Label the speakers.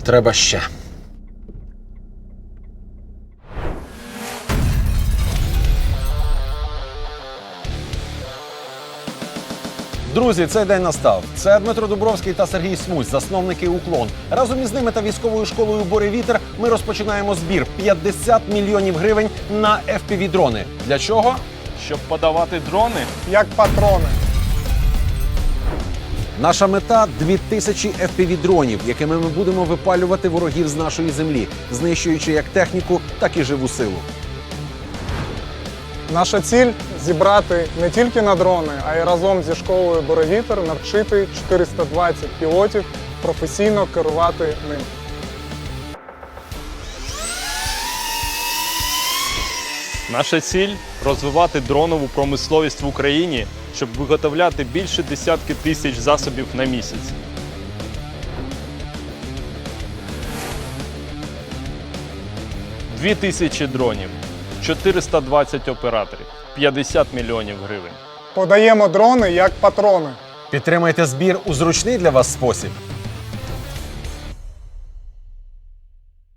Speaker 1: Треба ще. Друзі, цей день настав. Це Дмитро Дубровський та Сергій Смусь, засновники «Уклон». Разом із ними та військовою школою «Буревітер» ми розпочинаємо збір 50 мільйонів гривень на FPV-дрони. Для чого?
Speaker 2: Щоб подавати дрони.
Speaker 3: Як патрони.
Speaker 1: Наша мета – 2000 FPV-дронів, якими ми будемо випалювати ворогів з нашої землі, знищуючи як техніку, так і живу силу.
Speaker 3: Наша ціль – зібрати не тільки на дрони, а й разом зі школою «Буревітер» навчити 420 пілотів професійно керувати ним.
Speaker 2: Наша ціль – розвивати дронову промисловість в Україні, щоб виготовляти більше десятки тисяч засобів на місяць. – 2000 дронів, 420 операторів, 50 мільйонів гривень.
Speaker 3: Подаємо дрони як патрони.
Speaker 1: Підтримайте збір у зручний для вас спосіб.